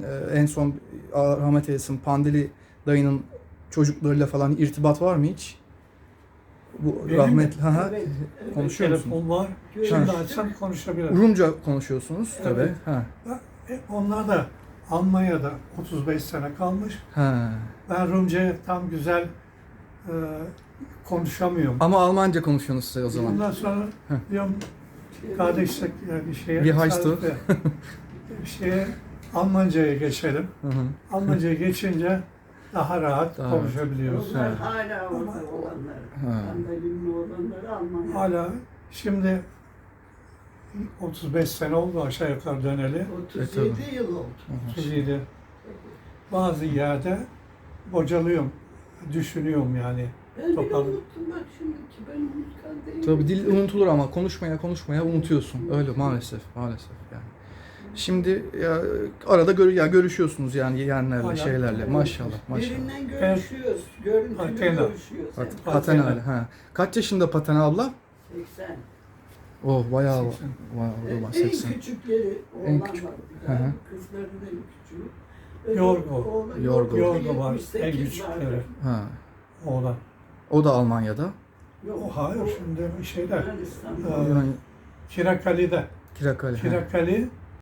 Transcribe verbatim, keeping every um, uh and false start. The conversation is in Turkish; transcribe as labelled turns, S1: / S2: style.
S1: e, en son Allah rahmet eylesin Pandeli dayının çocuklarıyla falan irtibat var mı hiç? Bu
S2: Benim
S1: rahmetli.
S2: mi?
S1: Ha ha.
S3: Evet,
S1: Konuşuyor musunuz?
S2: Telefon var.
S3: Ha.
S2: Şimdi açsam konuşabilirim.
S1: Rumca konuşuyorsunuz tabii.
S2: Evet.
S1: Ha.
S2: E, Onlar da Almanya'da otuz beş sene kalmış.
S1: Ha.
S2: Ben Rumca'yı tam güzel e, konuşamıyorum.
S1: Ama Almanca konuşuyorsunuz siz o zaman.
S2: Ondan sonra
S1: Heh.
S2: diyorum kardeşlik yani bir şeye,
S1: Wie heißt du?
S2: bir şeye Almanca'ya geçelim.
S1: Hı hı.
S2: Almanca'ya geçince daha rahat
S1: Daha
S2: konuşabiliyoruz.
S3: Onlar
S1: Evet.
S3: hala orada olanlar.
S1: Ha.
S3: Mandalinin olanları Almanya.
S2: Hala şimdi otuz beş sene oldu aşağı yukarı döneli.
S3: otuz
S1: E, tabii.
S3: yedi yıl oldu.
S2: otuz yedi. Bazı yerde bocalıyorum, düşünüyorum yani.
S3: Ben bile
S2: Toparlı-
S3: unuttum bak şimdiki ben unutkan değilim.
S1: Tabii dil unutulur ama konuşmaya konuşmaya unutuyorsun. Öyle maalesef, maalesef yani. Şimdi ya arada gör, ya görüşüyorsunuz yani yeğenlerle,
S2: Hala.
S1: şeylerle. Maşallah, maşallah.
S3: Birinden görüşüyoruz. Görüntülü
S2: Patena.
S3: görüşüyoruz.
S1: Pat,
S3: Evet.
S1: Patena öyle, ha. Kaç yaşında Patena abla?
S3: seksen.
S1: Oh bayağı,
S2: seksen.
S1: bayağı o zaman
S3: En
S1: seksen.
S3: küçükleri
S1: En
S3: oğlan
S1: küçük.
S3: var.
S1: Hı hı.
S3: Kızların en küçüğü. Öbür
S2: Yorgo.
S3: oğlan-
S1: Yorgo.
S2: Yorgo var,
S3: yetmiş
S2: en
S3: sekiz
S2: küçükleri.
S3: vardı.
S1: Ha.
S2: Oğlan.
S1: O da Almanya'da.
S3: Yok,
S2: O hayır şimdi şeyde
S3: Yunanistan'da.
S2: Ee,
S1: Yani
S2: Kirakali'de.
S1: Kirakali. ha.
S2: Kirakali